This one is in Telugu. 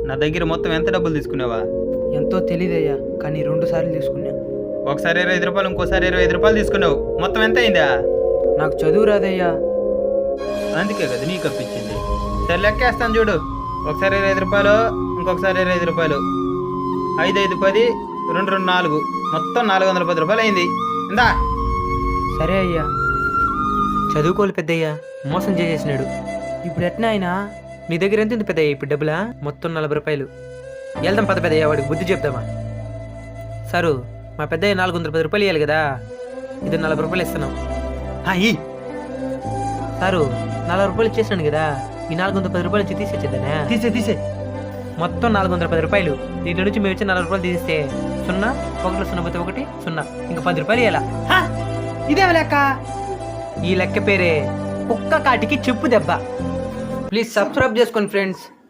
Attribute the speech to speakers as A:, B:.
A: నా దగ్గర మొత్తం ఎంత డబ్బులు తీసుకున్నావా?
B: ఎంతో తెలీదయ్యా, కానీ 2 సార్లు తీసుకున్నా.
A: ఒకసారి 25 రూపాయలు, ఇంకోసారి 25 రూపాయలు తీసుకున్నావు. మొత్తం ఎంత అయిందా?
B: నాకు చదువు రాదయ్యా.
A: అందుకే కదా నీకు అప్పించింది. సరే లెక్కేస్తాను చూడు. ఒకసారి 25 రూపాయలు, ఇంకొకసారి 25 రూపాయలు, 5 5 10, 2 2 4, మొత్తం 410 రూపాయలు అయింది. ఇందా.
B: సరే అయ్యా.
C: చదువుకోవాలి పెద్దయ్యా, మోసం చేసేసినాడు.
B: ఇప్పుడు ఎట్నా అయినా
C: నీ దగ్గర ఎంత ఉంది పెద్దయ్య ఇప్పుడు డబ్బులా? మొత్తం 40 రూపాయలు. వెళ్దాం పద పెద్దయ్య, వాడికి బుద్ధి చెప్దామా. సారు, మా పెద్దయ్య 410 రూపాయలు ఇవ్వాలి కదా, ఇది 40 రూపాయలు ఇస్తున్నాం. సారు, 40 రూపాయలు ఇచ్చేసినాను కదా, ఈ 410 రూపాయలు నుంచి తీసేద్దానే.
A: తీసే
C: మొత్తం 410 రూపాయలు. దీంట్లో నుంచి మేము ఇచ్చే 40 రూపాయలు తీస్తే 0, 1 0 పోతే 1 0, ఇంకా 10 రూపాయలు ఇవ్వాలా?
B: ఇదేం లెక్క?
C: ఈ లెక్క పేరే కుక్క కాటికి చెప్పు దెబ్బ.
B: ప్లీజ్ సబ్స్క్రైబ్ చేసుకోండి ఫ్రెండ్స్.